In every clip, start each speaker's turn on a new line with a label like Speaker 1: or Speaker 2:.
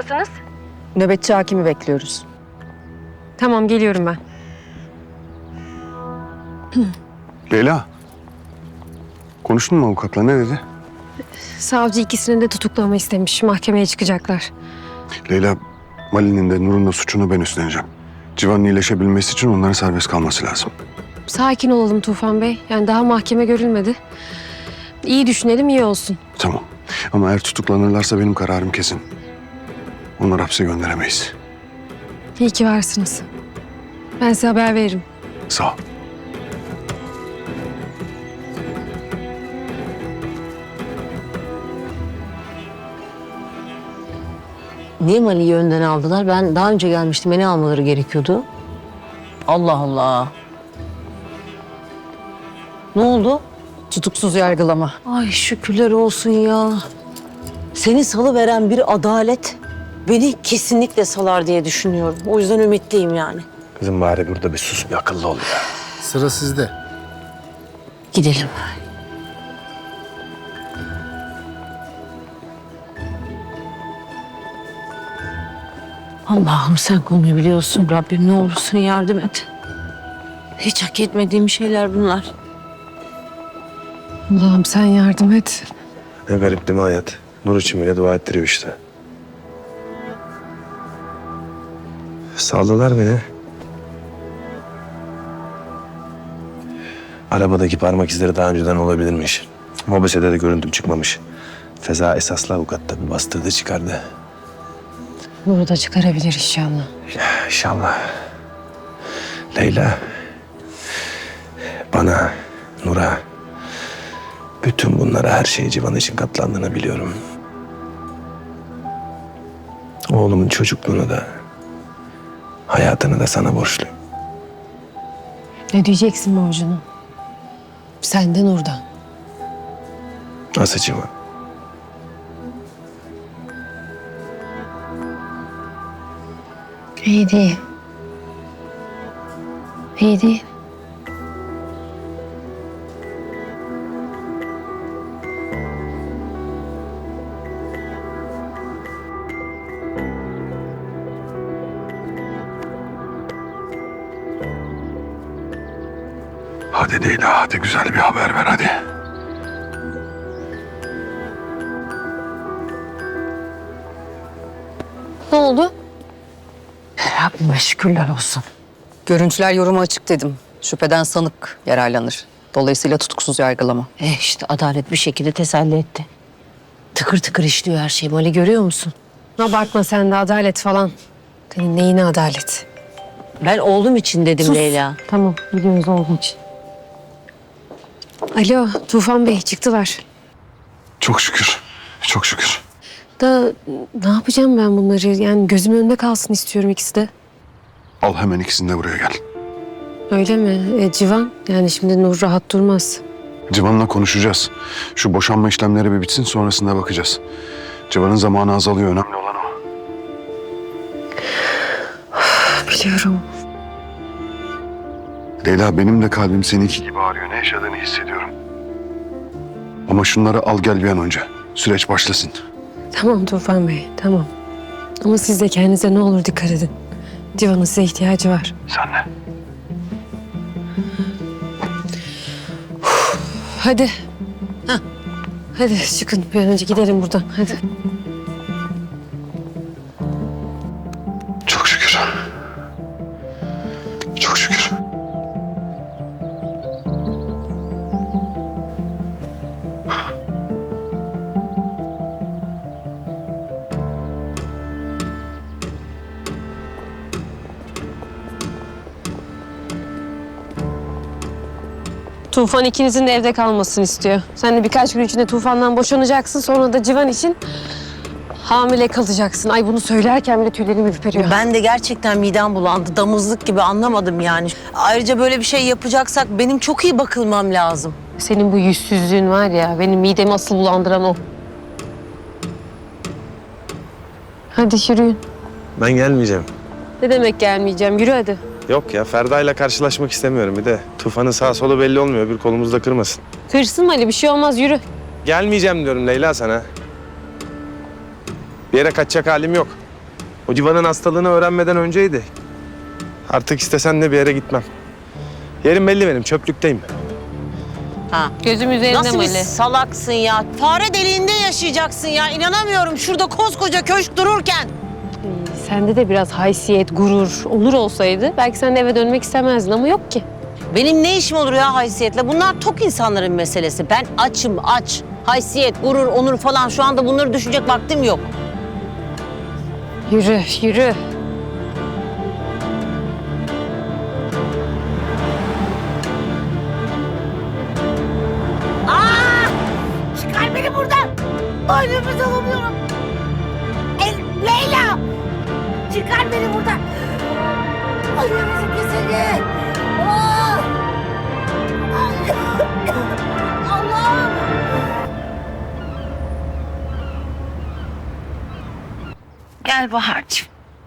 Speaker 1: durumdasınız?
Speaker 2: Nöbetçi hakimi bekliyoruz.
Speaker 1: Tamam, geliyorum ben.
Speaker 3: Leyla. Konuştun mu avukatla, ne dedi?
Speaker 1: Savcı ikisini de tutuklama istemiş. Mahkemeye çıkacaklar.
Speaker 3: Leyla, Mali'nin de Nur'un da suçunu ben üstleneceğim. Civan'ın iyileşebilmesi için onların serbest kalması lazım.
Speaker 1: Sakin olalım Tufan Bey. Yani daha mahkeme görülmedi. İyi düşünelim, iyi olsun.
Speaker 3: Tamam. Ama eğer tutuklanırlarsa benim kararım kesin. Onları hapse gönderemeyiz.
Speaker 1: İyi ki varsınız. Ben size haber veririm.
Speaker 3: Sağ ol.
Speaker 4: Niye Mali'yi önden aldılar? Ben daha önce gelmiştim. Beni almaları gerekiyordu. Allah Allah. Ne oldu?
Speaker 2: Tutuksuz yargılama.
Speaker 4: Ay şükürler olsun ya. Seni salıveren bir adalet beni kesinlikle salar diye düşünüyorum. O yüzden ümitliyim yani.
Speaker 5: Kızım bari burada bir sus, bir akıllı ol ya.
Speaker 6: Sıra sizde.
Speaker 4: Gidelim. Allah'ım sen konuyu biliyorsun. Rabbim ne olursun yardım et. Hiç hak etmediğim şeyler bunlar.
Speaker 1: Allah'ım sen yardım et.
Speaker 5: Ne garip değil mi hayat? Nur için bile dua ettiriyor işte. Saldılar beni. Arabadaki parmak izleri daha önceden olabilirmiş. Mobesede de görüntüm çıkmamış. Feza esaslı avukat tabii bastırdı çıkardı.
Speaker 1: Nur'u da çıkarabilir inşallah.
Speaker 5: İnşallah. Leyla, bana, Nur'a, bütün bunlara, her şeyi Civan için katlandığını biliyorum. Oğlumun çocukluğunu da, hayatını da sana borçluyum.
Speaker 1: Ne diyeceksin borcunu? Senden oradan.
Speaker 5: Nasıl Civan?
Speaker 1: İyi değil. İyi değil.
Speaker 3: Hadi Leyla, hadi güzel bir haber ver hadi.
Speaker 1: Ne oldu?
Speaker 2: Rabbime şükürler olsun. Görüntüler yoruma açık dedim. Şüpheden sanık yararlanır. Dolayısıyla tutuksuz yargılama.
Speaker 4: İşte adalet bir şekilde teselli etti. Tıkır tıkır işliyor her şey. Mali görüyor musun?
Speaker 1: Abartma sen de adalet falan. Senin neyine adalet?
Speaker 4: Ben oğlum için dedim
Speaker 1: Sus.
Speaker 4: Leyla.
Speaker 1: Tamam, biliyoruz olduğu için. Alo, Tufan Bey çıktılar.
Speaker 3: Çok şükür, çok şükür.
Speaker 1: Da ne yapacağım ben bunları? Yani gözümün önünde kalsın istiyorum ikisi de.
Speaker 3: Al hemen ikisini de buraya gel.
Speaker 1: Öyle mi? Civan, yani şimdi Nur rahat durmaz.
Speaker 3: Civan'la konuşacağız. Şu boşanma işlemleri bir bitsin, sonrasında bakacağız. Civan'ın zamanı azalıyor, önemli olan o.
Speaker 1: Biliyorum.
Speaker 3: Leyla, benim de kalbim seninki gibi ağrıyor. Ne yaşadığını hissediyorum. Ama şunları al gel bir an önce. Süreç başlasın.
Speaker 1: Tamam Tufan Bey, tamam. Ama siz de kendinize ne olur dikkat edin. Civan'ın size ihtiyacı var.
Speaker 3: Sen de.
Speaker 1: Hadi. Hah. Hadi çıkın bir an önce gidelim buradan. Hadi.
Speaker 3: Çok şükür. Çok şükür.
Speaker 1: Tufan ikinizin de evde kalmasını istiyor. Sen de birkaç gün içinde Tufan'dan boşanacaksın. Sonra da Civan için hamile kalacaksın. Ay bunu söylerken bile tüylerim ürperiyor.
Speaker 4: Ben de gerçekten midem bulandı. Damızlık gibi anlamadım yani. Ayrıca böyle bir şey yapacaksak benim çok iyi bakılmam lazım.
Speaker 1: Senin bu yüzsüzlüğün var ya, benim midemi asıl bulandıran o. Hadi yürüyün.
Speaker 5: Ben gelmeyeceğim.
Speaker 1: Ne demek gelmeyeceğim? Yürü hadi.
Speaker 5: Yok ya, Ferda'yla karşılaşmak istemiyorum bir de. Tufan'ın sağ solu belli olmuyor, bir kolumuzda kırmasın.
Speaker 1: Kırsın Ali, bir şey olmaz, yürü.
Speaker 5: Gelmeyeceğim diyorum Leyla sana. Bir yere kaçacak halim yok. O Civan'ın hastalığını öğrenmeden önceydi. Artık istesen de bir yere gitmem. Yerim belli benim, çöplükteyim.
Speaker 4: Ha.
Speaker 1: Gözüm üzerinde
Speaker 4: Nasıl bir
Speaker 1: Mali.
Speaker 4: salaksın ya? Fare deliğinde yaşayacaksın ya. İnanamıyorum şurada koskoca köşk dururken.
Speaker 1: Sende de biraz haysiyet, gurur, onur olsaydı belki sen de eve dönmek istemezdin ama yok ki.
Speaker 4: Benim ne işim olur ya haysiyetle? Bunlar tok insanların meselesi. Ben açım, aç. Haysiyet, gurur, onur falan şu anda bunları düşünecek vaktim yok.
Speaker 1: Yürü, yürü.
Speaker 6: Çıkar beni buradan. Ay nefes alamıyorum. Leyla. Çıkar beni buradan. Ay nefesim kesildi. Ah! Ay. Allah'ım.
Speaker 7: Gel Bahar'cığım.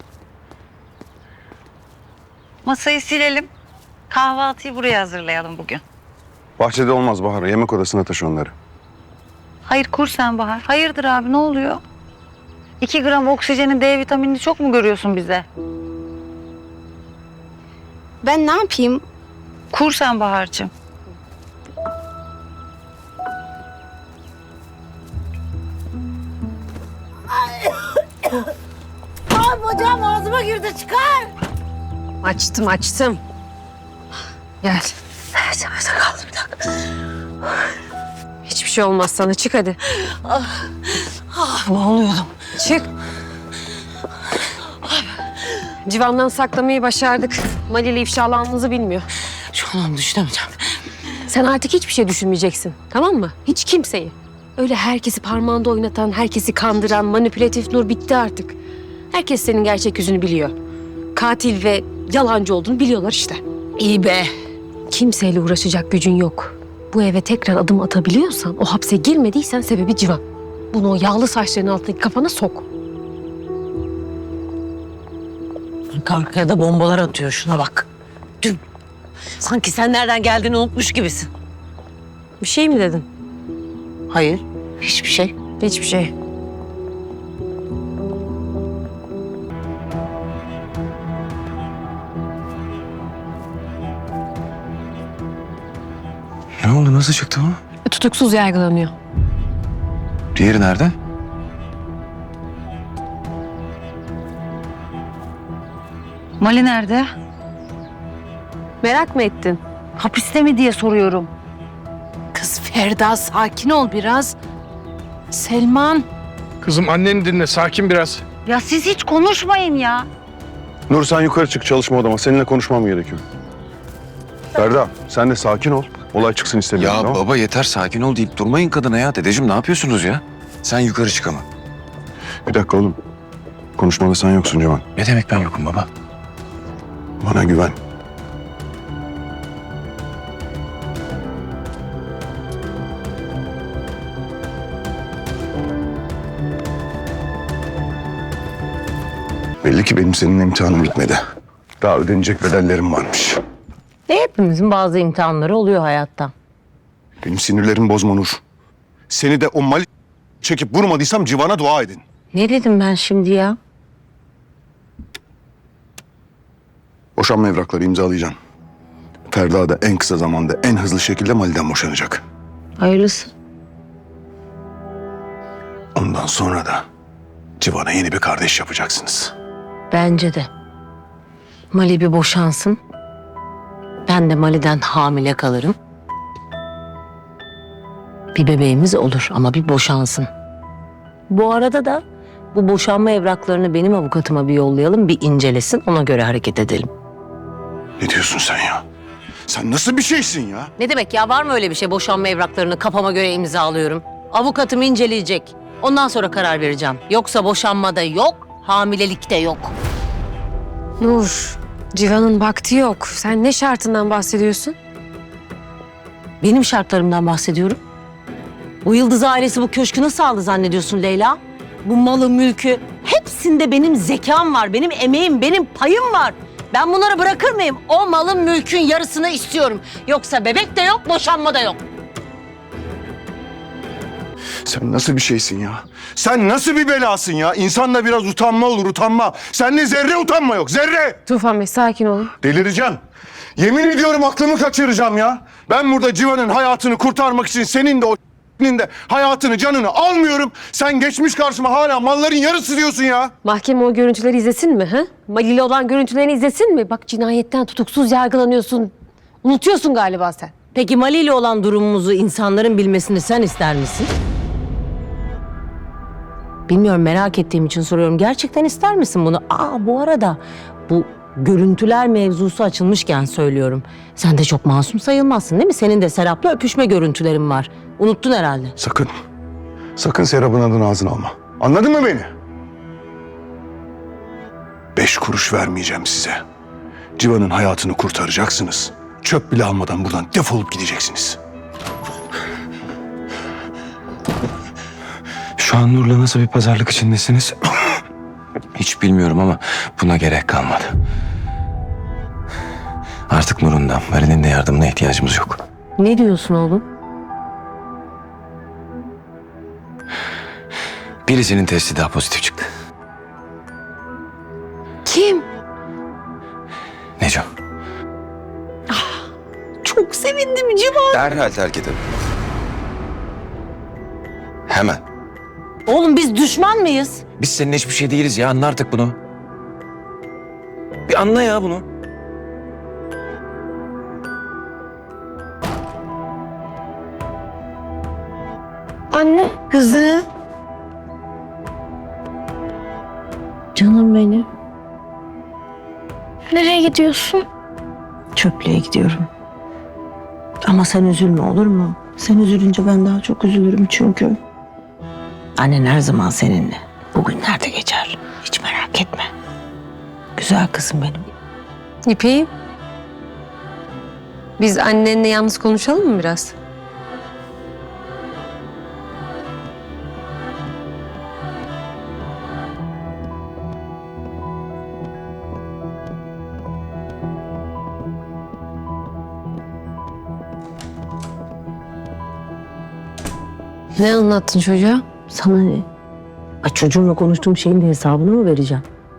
Speaker 7: Masayı silelim. Kahvaltıyı buraya hazırlayalım bugün.
Speaker 3: Bahçede olmaz Bahar. Yemek odasına taşı onları.
Speaker 7: Hayır kur sen Bahar. Hayırdır abi ne oluyor? 2 gram oksijenin D vitaminini çok mu görüyorsun bize?
Speaker 6: Ben ne yapayım?
Speaker 7: Kur sen Bahar'cığım.
Speaker 6: Ay bacağım ağzıma girdi çıkar.
Speaker 1: Açtım, açtım. Gel.
Speaker 6: Kaldı bir dakika.
Speaker 1: Hiçbir şey olmaz sana. Çık hadi.
Speaker 4: Ne oluyordum?
Speaker 1: Çık. Civan'dan saklamayı başardık. Mali ile ifşalandığınızı bilmiyor.
Speaker 4: Şu an düşünemeyeceğim.
Speaker 1: Sen artık hiçbir şey düşünmeyeceksin. Tamam mı? Hiç kimseyi. Öyle herkesi parmağında oynatan, herkesi kandıran, manipülatif Nur bitti artık. Herkes senin gerçek yüzünü biliyor. Katil ve yalancı olduğunu biliyorlar işte.
Speaker 4: İyi be.
Speaker 1: Kimseyle uğraşacak gücün yok. Bu eve tekrar adım atabiliyorsan, o hapse girmediysen sebebi Civan. Bunu o yağlı saçların altındaki kafana sok.
Speaker 4: Arkaya da bombalar atıyor şuna bak. Dün. Sanki sen nereden geldiğini unutmuş gibisin.
Speaker 1: Bir şey mi dedin?
Speaker 4: Hayır. Hiçbir şey.
Speaker 1: Hiçbir şey.
Speaker 8: Ne oldu? Nasıl çıktı o?
Speaker 1: Tutuksuz yargılanıyor.
Speaker 8: Diğeri nerede?
Speaker 7: Mali nerede?
Speaker 1: Merak mı ettin?
Speaker 7: Hapiste mi diye soruyorum.
Speaker 6: Kız Ferda sakin ol biraz. Selman.
Speaker 5: Kızım anneni dinle, sakin biraz.
Speaker 7: Ya siz hiç konuşmayın ya.
Speaker 3: Nur sen yukarı çık çalışma odama. Seninle konuşmam gerekiyor. Ferda sen de sakin ol. Olay çıksın istemiyorum.
Speaker 8: Ya
Speaker 3: tamam mı?
Speaker 8: baba yeter sakin ol deyip durmayın kadına ya. Dedeciğim ne yapıyorsunuz ya? Sen yukarı çık ama.
Speaker 3: Bir dakika oğlum. Konuşmada sen yoksun Civan.
Speaker 8: Ne demek ben yokum baba?
Speaker 3: Bana güven. Belli ki benim senin imtihanım bitmedi. Daha ödenecek bedellerim varmış.
Speaker 4: Hepimizin bazı imtihanları oluyor hayatta.
Speaker 3: Benim sinirlerimi bozma Nur. Seni de o mal çekip vurmadıysam Civan'a dua edin.
Speaker 4: Ne dedim ben şimdi ya?
Speaker 3: Boşanma evrakları imzalayacaksın. Ferda da en kısa zamanda en hızlı şekilde Mali'den boşanacak.
Speaker 4: Hayırlısı.
Speaker 3: Ondan sonra da Civan'a yeni bir kardeş yapacaksınız.
Speaker 4: Bence de. Mali bir boşansın. Ben de Mali'den hamile kalırım. Bir bebeğimiz olur ama bir boşansın. Bu arada da bu boşanma evraklarını benim avukatıma bir yollayalım, bir incelesin, ona göre hareket edelim.
Speaker 3: Ne diyorsun sen ya? Sen nasıl bir şeysin ya?
Speaker 4: Ne demek ya, var mı öyle bir şey? Boşanma evraklarını kafama göre imzalıyorum. Avukatım inceleyecek. Ondan sonra karar vereceğim. Yoksa boşanmada yok, hamilelikte yok.
Speaker 1: Nur, Civan'ın vakti yok. Sen ne şartından bahsediyorsun?
Speaker 4: Benim şartlarımdan bahsediyorum. Bu Yıldız ailesi bu köşkü nasıl aldı zannediyorsun Leyla? Bu malı, mülkü, hepsinde benim zekam var, benim emeğim, benim payım var. Ben bunları bırakır mıyım? O malın, mülkün yarısını istiyorum. Yoksa bebek de yok, boşanma da yok.
Speaker 3: Sen nasıl bir şeysin ya? Sen nasıl bir belasın ya? İnsanda biraz utanma olur, utanma. Sende zerre utanma yok, zerre!
Speaker 1: Tufan Bey sakin olun.
Speaker 3: Delireceğim. Yemin ediyorum aklımı kaçıracağım ya. Ben burada Civan'ın hayatını kurtarmak için senin de o de hayatını, canını almıyorum. Sen geçmiş karşıma hala malların yarısı diyorsun ya.
Speaker 1: Mahkeme o görüntüleri izlesin mi? Ha? Malili olan görüntülerini izlesin mi? Bak cinayetten tutuksuz yargılanıyorsun. Unutuyorsun galiba sen.
Speaker 4: Peki Mali ile olan durumumuzu insanların bilmesini sen ister misin? Bilmiyorum, merak ettiğim için soruyorum. Gerçekten ister misin bunu? Bu arada bu görüntüler mevzusu açılmışken söylüyorum. Sen de çok masum sayılmazsın değil mi? Senin de Serap'la öpüşme görüntülerin var. Unuttun herhalde.
Speaker 3: Sakın. Sakın Serap'ın adını ağzına alma. Anladın mı beni? 5 kuruş vermeyeceğim size. Civan'ın hayatını kurtaracaksınız. Çöp bile almadan buradan defolup gideceksiniz.
Speaker 8: Şu an Nur'la nasıl bir pazarlık içindesiniz? Hiç bilmiyorum ama buna gerek kalmadı. Artık Nur'un da Marin'in de yardımına ihtiyacımız yok.
Speaker 4: Ne diyorsun oğlum?
Speaker 8: Birisinin testi daha pozitif çıktı.
Speaker 1: Kim?
Speaker 8: Neco.
Speaker 4: Çok sevindim Civan.
Speaker 8: Derhal terk edin. Hemen.
Speaker 4: Oğlum biz düşman mıyız?
Speaker 8: Biz seninle hiçbir şey değiliz ya. Anla artık bunu. Bir anla ya bunu.
Speaker 6: Anne.
Speaker 4: Kızım. Canım benim.
Speaker 6: Nereye gidiyorsun?
Speaker 4: Çöplüğe gidiyorum. Ama sen üzülme, olur mu? Sen üzülünce ben daha çok üzülürüm çünkü. Annen her zaman seninle. Bugünler de geçer. Hiç merak etme. Güzel kızım benim.
Speaker 1: İpek'im. Biz annenle yalnız konuşalım mı biraz? Ne anlattın çocuğa?
Speaker 4: Sana ne? Çocuğumla konuştuğum şeyin de hesabını mı vereceğim?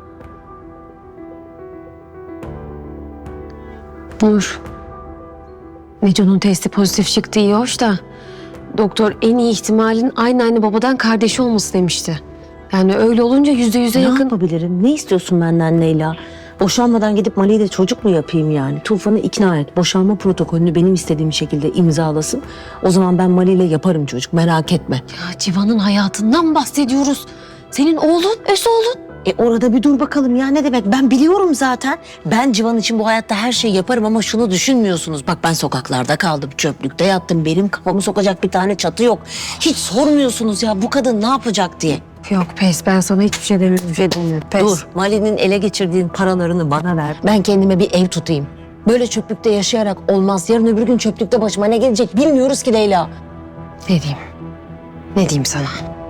Speaker 1: Nur. Neco'nun testi pozitif çıktı, iyi hoş da doktor en iyi ihtimalin aynı babadan kardeşi olması demişti. Yani öyle olunca %100'e
Speaker 4: Ne
Speaker 1: yakın.
Speaker 4: yapabilirim? Ne istiyorsun benden Leyla? Boşanmadan gidip Mali'yle de çocuk mu yapayım yani? Tufan'ı ikna et. Boşanma protokolünü benim istediğim şekilde imzalasın. O zaman ben Mali'yle yaparım çocuk. Merak etme.
Speaker 1: Ya Civan'ın hayatından bahsediyoruz. Senin oğlun, öz oğlun.
Speaker 4: Orada bir dur bakalım ya, ne demek? Ben biliyorum zaten. Ben Civan için bu hayatta her şeyi yaparım ama şunu düşünmüyorsunuz. Bak ben sokaklarda kaldım, çöplükte yattım. Benim kafamı sokacak bir tane çatı yok. Hiç sormuyorsunuz ya bu kadın ne yapacak diye.
Speaker 1: Yok pes, ben sana hiçbir şey demiyorum. Pes.
Speaker 4: Dur, Mali'nin ele geçirdiğin paralarını bana ver. Ben kendime bir ev tutayım. Böyle çöplükte yaşayarak olmaz. Yarın öbür gün çöplükte başıma ne gelecek bilmiyoruz ki Leyla.
Speaker 1: Ne diyeyim? Ne diyeyim sana?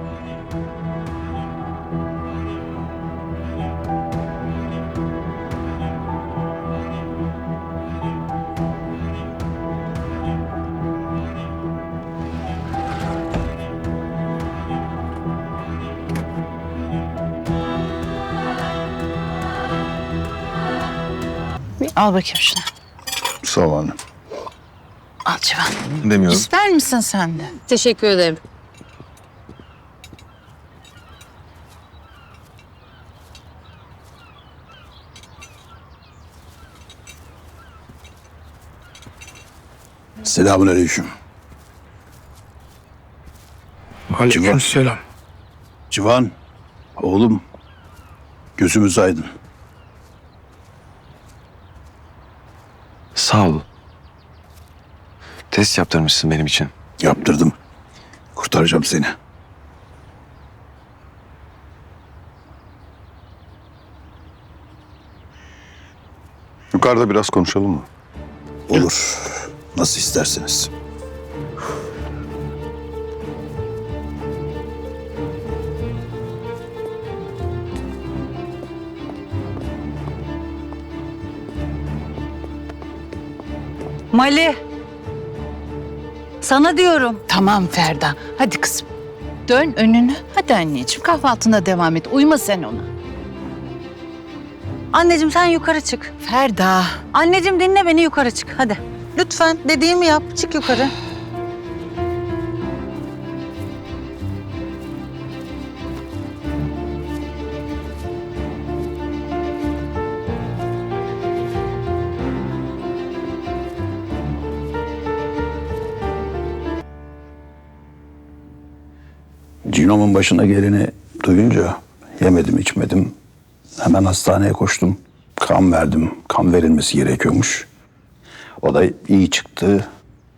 Speaker 6: Al bakayım şunu.
Speaker 3: Sağ ol anne.
Speaker 6: Al Civan.
Speaker 8: Demiyorum.
Speaker 6: İster misin sen de?
Speaker 1: Teşekkür ederim.
Speaker 9: Selamünaleyküm.
Speaker 8: Aleykümselam.
Speaker 9: Civan, oğlum, gözümüz aydın.
Speaker 8: Sağ ol. Test yaptırmışsın benim için.
Speaker 9: Yaptırdım. Kurtaracağım seni.
Speaker 3: Yukarıda biraz konuşalım mı?
Speaker 9: Olur. Nasıl isterseniz.
Speaker 7: Mali. Sana diyorum.
Speaker 6: Tamam Ferda. Hadi kızım. Dön önünü. Hadi anneciğim kahvaltına devam et. Uyma sen ona.
Speaker 7: Anneciğim sen yukarı çık.
Speaker 6: Ferda.
Speaker 7: Anneciğim dinle beni, yukarı çık hadi. Lütfen dediğimi yap, çık yukarı.
Speaker 9: Cinom'un başına geleni duyunca yemedim içmedim. Hemen hastaneye koştum. Kan verdim. Kan verilmesi gerekiyormuş. O da iyi çıktı.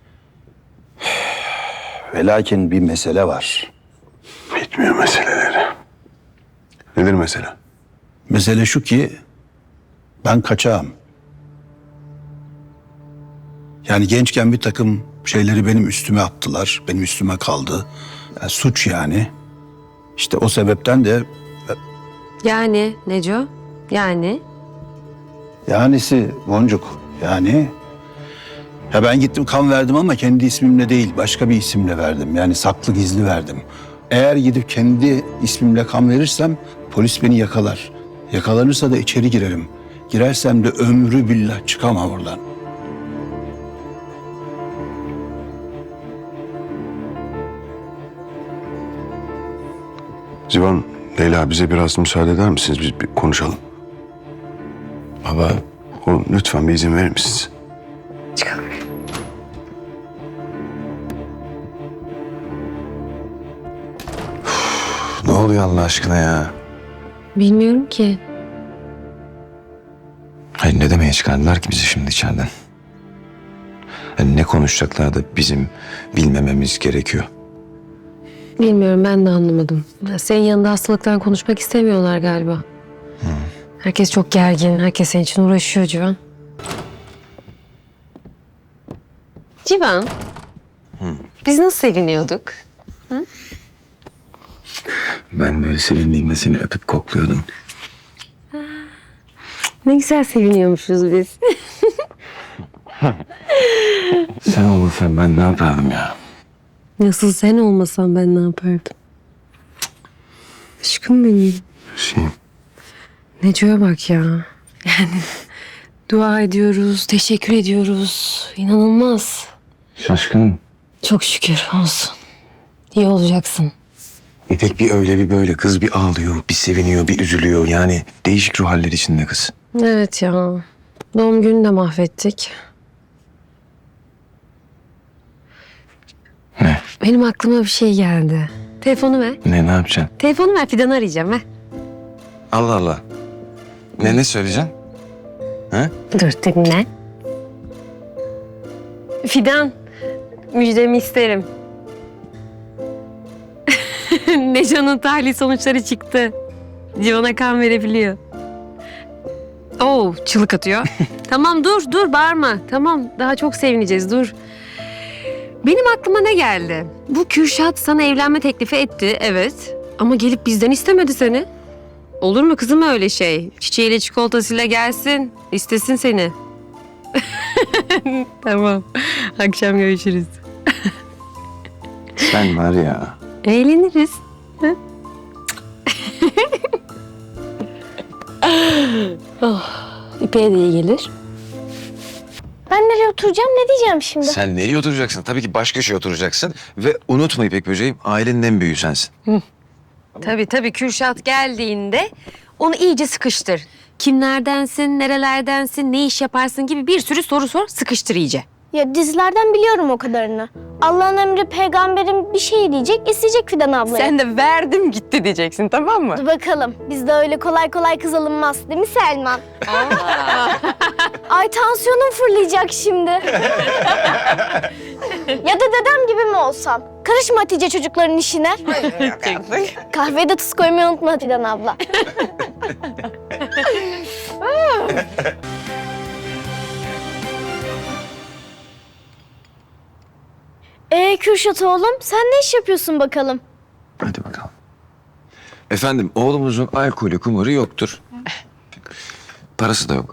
Speaker 9: Ve lakin bir mesele var.
Speaker 3: Bitmiyor meseleleri. Nedir mesele?
Speaker 9: Mesele şu ki ben kaçağım. Yani gençken bir takım şeyleri benim üstüme attılar. Benim üstüme kaldı. Yani suç yani. İşte o sebepten de
Speaker 1: Yani Neco? Yani?
Speaker 9: yanisi Boncuk yani. Ya ben gittim kan verdim ama kendi ismimle değil başka bir isimle verdim. Yani saklı gizli verdim. Eğer gidip kendi ismimle kan verirsem polis beni yakalar. Yakalanırsa da içeri girerim. Girersem de ömrü billah çıkamam oradan.
Speaker 3: Civan, Leyla bize biraz müsaade eder misiniz? Biz bir konuşalım.
Speaker 5: Baba,
Speaker 3: Oğlum lütfen bir izin verir misiniz?
Speaker 1: Çıkalım.
Speaker 5: ne oluyor Allah aşkına ya?
Speaker 1: Bilmiyorum ki.
Speaker 8: Hayır, ne demeye çıkardılar ki bizi şimdi içeriden? Yani ne konuşacaklar da bizim bilmememiz gerekiyor?
Speaker 1: Bilmiyorum, ben de anlamadım. Senin yanında hastalıktan konuşmak istemiyorlar galiba. Herkes çok gergin. Herkes senin için uğraşıyor Civan. Civan. Biz nasıl seviniyorduk?
Speaker 8: Ben böyle sevindiğimde seni öpüp kokluyordum.
Speaker 1: Ne güzel seviniyormuşuz biz.
Speaker 8: Sen olursan ben ne yapardım ya?
Speaker 1: Nasıl sen olmasan ben ne yapardım? Aşkım benim. Neco'ya bak ya. Yani dua ediyoruz, teşekkür ediyoruz. İnanılmaz.
Speaker 8: Şaşkınım.
Speaker 1: Çok şükür olsun. İyi olacaksın.
Speaker 8: İpek bir öyle bir böyle. Kız bir ağlıyor, bir seviniyor, bir üzülüyor. Yani değişik ruh halleri içinde kız.
Speaker 1: Evet ya. Doğum gününü de mahvettik.
Speaker 8: Ne?
Speaker 1: Benim aklıma bir şey geldi. Telefonu ver.
Speaker 8: Ne yapacaksın?
Speaker 1: Telefonu ver, Fidan'ı arayacağım ver.
Speaker 8: Allah Allah. Ne söyleyeceksin?
Speaker 1: Dur dinle. Fidan, müjdemi isterim. Necan'ın tahlil sonuçları çıktı. Civan'a kan verebiliyor. Oo, çığlık atıyor. Tamam dur bağırma. Tamam, daha çok sevineceğiz, dur. Benim aklıma ne geldi? Bu Kürşat sana evlenme teklifi etti, evet. Ama gelip bizden istemedi seni. Olur mu kızım öyle şey? Çiçeğiyle çikolatasıyla gelsin, istesin seni. Tamam, akşam görüşürüz.
Speaker 8: Sen var ya.
Speaker 1: Eğleniriz. Oh, İpek'e de iyi gelir.
Speaker 10: Ben nereye oturacağım, ne diyeceğim şimdi?
Speaker 8: Sen nereye oturacaksın? Tabii ki baş köşeye oturacaksın. Ve unutma İpek böceğim, ailenin en büyüğü sensin.
Speaker 1: Tabii Kürşat geldiğinde onu iyice sıkıştır. Kimlerdensin, nerelerdensin, ne iş yaparsın gibi bir sürü soru sor, sıkıştır iyice.
Speaker 10: Ya dizilerden biliyorum o kadarını. Allah'ın emri peygamberin bir şey diyecek, isteyecek Fidan ablayı.
Speaker 1: Sen de verdim gitti diyeceksin, tamam mı?
Speaker 10: Dur bakalım, bizde öyle kolay kolay kız alınmaz değil mi Selman? Ay tansiyonum fırlayacak şimdi. Ya da dedem gibi mi olsam? Karışma Hatice çocukların işine. Kahveye de tuz koymayı unutma Fidan abla. Kürşat oğlum, sen ne iş yapıyorsun bakalım?
Speaker 8: Hadi bakalım. Efendim, oğlumuzun alkolü, kumarı yoktur. Parası da yok.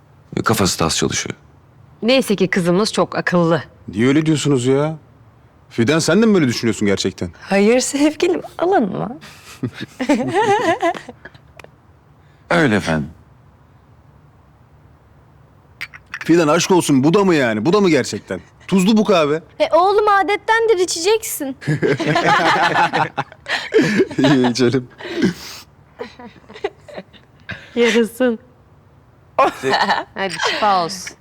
Speaker 8: Kafası da az çalışıyor.
Speaker 1: Neyse ki kızımız çok akıllı.
Speaker 3: Niye öyle diyorsunuz ya?
Speaker 11: Fidan sen de mi böyle düşünüyorsun gerçekten?
Speaker 2: Hayır sevgilim, alınma.
Speaker 8: Öyle efendim.
Speaker 11: Fidan aşk olsun, bu da mı yani? Bu da mı gerçekten? Tuzlu bu kahve.
Speaker 10: Oğlum adettendir, içeceksin.
Speaker 11: İyi içelim.
Speaker 1: Yarasın. Hadi şifa olsun.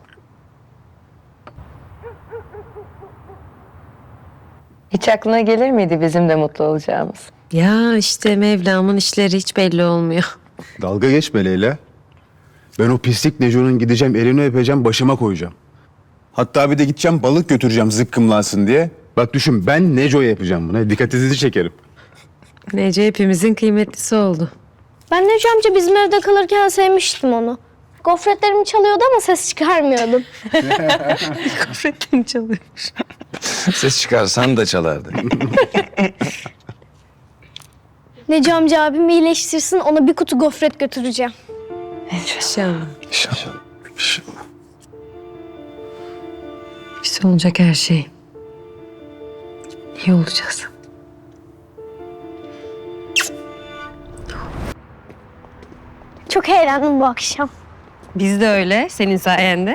Speaker 2: Hiç aklına gelir miydi bizim de mutlu olacağımız?
Speaker 1: Ya işte Mevlam'ın işleri hiç belli olmuyor.
Speaker 11: Dalga geçme Leyla. Ben o pislik Neco'nun gideceğim, elini öpeceğim, başıma koyacağım. Hatta bir de gideceğim balık götüreceğim zıkkımlansın diye. Bak düşün, ben Neco'ya yapacağım bunu. Dikkatinizi çekerim.
Speaker 1: Nece hepimizin kıymetlisi oldu.
Speaker 10: Ben Neco amca bizim evde kalırken sevmiştim onu. Gofretlerimi çalıyordu ama ses çıkarmıyordum.
Speaker 1: Gofretlerini çalıyormuş.
Speaker 8: Ses çıkarsan da çalardı.
Speaker 10: Neco amca abim iyileştirsin, ona bir kutu gofret götüreceğim.
Speaker 1: İnşallah.
Speaker 8: İnşallah. İnşallah.
Speaker 1: İşte olacak her şey. İyi olacağız.
Speaker 10: Çok eğlendim bu akşam.
Speaker 1: Biz de öyle senin sayende.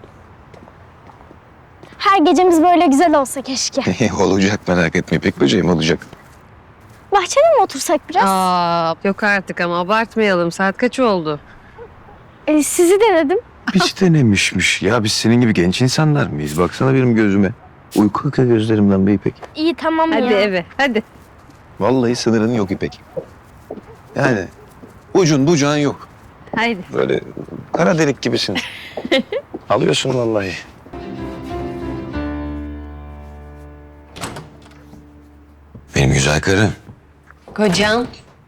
Speaker 10: Her gecemiz böyle güzel olsa keşke.
Speaker 8: Olacak, merak etme İpek böceğim, olacak.
Speaker 10: Bahçede mi otursak biraz?
Speaker 1: Aa, yok artık ama abartmayalım. Saat kaç oldu?
Speaker 10: Sizi denedim.
Speaker 8: Hiç denemişmiş. Ya biz senin gibi genç insanlar mıyız? Baksana benim gözüme. Uyku akıyor gözlerimden be İpek.
Speaker 10: İyi tamam
Speaker 1: Hadi
Speaker 10: ya.
Speaker 1: eve, hadi.
Speaker 8: Vallahi sınırın yok İpek. Yani ucun bucağın yok.
Speaker 1: Haydi.
Speaker 8: Böyle kara delik gibisin. Alıyorsun vallahi. Benim güzel karı.
Speaker 1: Kocam.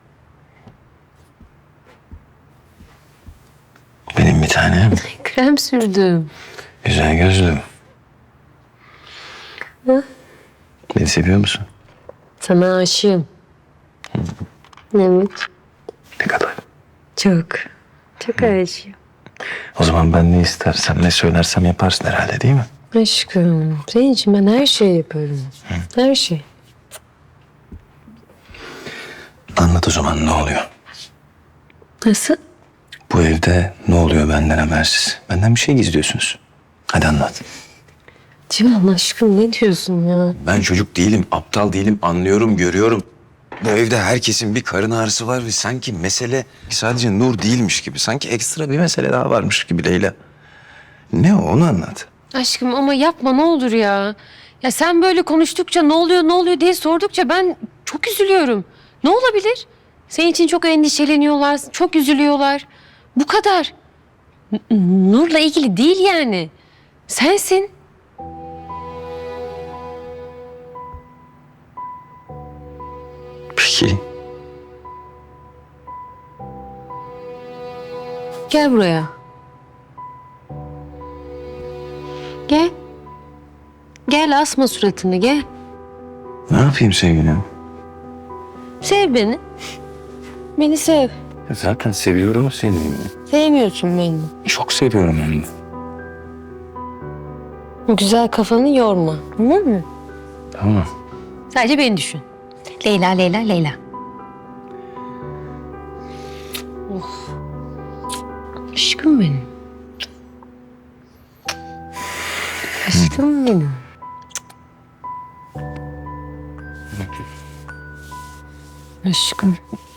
Speaker 8: Benim bir tanem.
Speaker 1: Krem sürdüm.
Speaker 8: Güzel gözlüm. Beni seviyor musun?
Speaker 1: Sana aşığım. Evet.
Speaker 8: Ne kadar?
Speaker 1: Çok. Çok aşığım.
Speaker 8: O zaman ben ne istersem, ne söylersem yaparsın herhalde değil mi?
Speaker 1: Aşkım. Senin için ben her şeyi yaparım. Her şey.
Speaker 8: Anlat o zaman ne oluyor?
Speaker 1: Nasıl?
Speaker 8: Bu evde ne oluyor benden habersiz? Benden bir şey gizliyorsunuz. Hadi anlat.
Speaker 1: Civan aşkım ne diyorsun ya?
Speaker 8: Ben çocuk değilim, aptal değilim. Anlıyorum, görüyorum. Bu evde herkesin bir karın ağrısı var ve sanki mesele sadece Nur değilmiş gibi. Sanki ekstra bir mesele daha varmış gibi Leyla. Ne o, onu anlat.
Speaker 1: Aşkım ama yapma ne olur ya. Ya sen böyle konuştukça ne oluyor diye sordukça ben çok üzülüyorum. Ne olabilir? Senin için çok endişeleniyorlar, çok üzülüyorlar. Bu kadar. Nur'la ilgili değil yani. Sensin.
Speaker 8: Peki.
Speaker 1: Gel buraya. Gel. Gel asma suratını gel.
Speaker 8: Ne yapayım sevgilim?
Speaker 1: Sev beni. Beni sev.
Speaker 8: Zaten seviyorum seni.
Speaker 1: Sevmiyorsun beni.
Speaker 8: Çok seviyorum onu.
Speaker 1: Güzel kafanı yorma. Tamam mı?
Speaker 8: Tamam.
Speaker 1: Sadece beni düşün. Leyla, Leyla, Leyla. Of. Aşkım benim. Aşkım benim. Aşkım.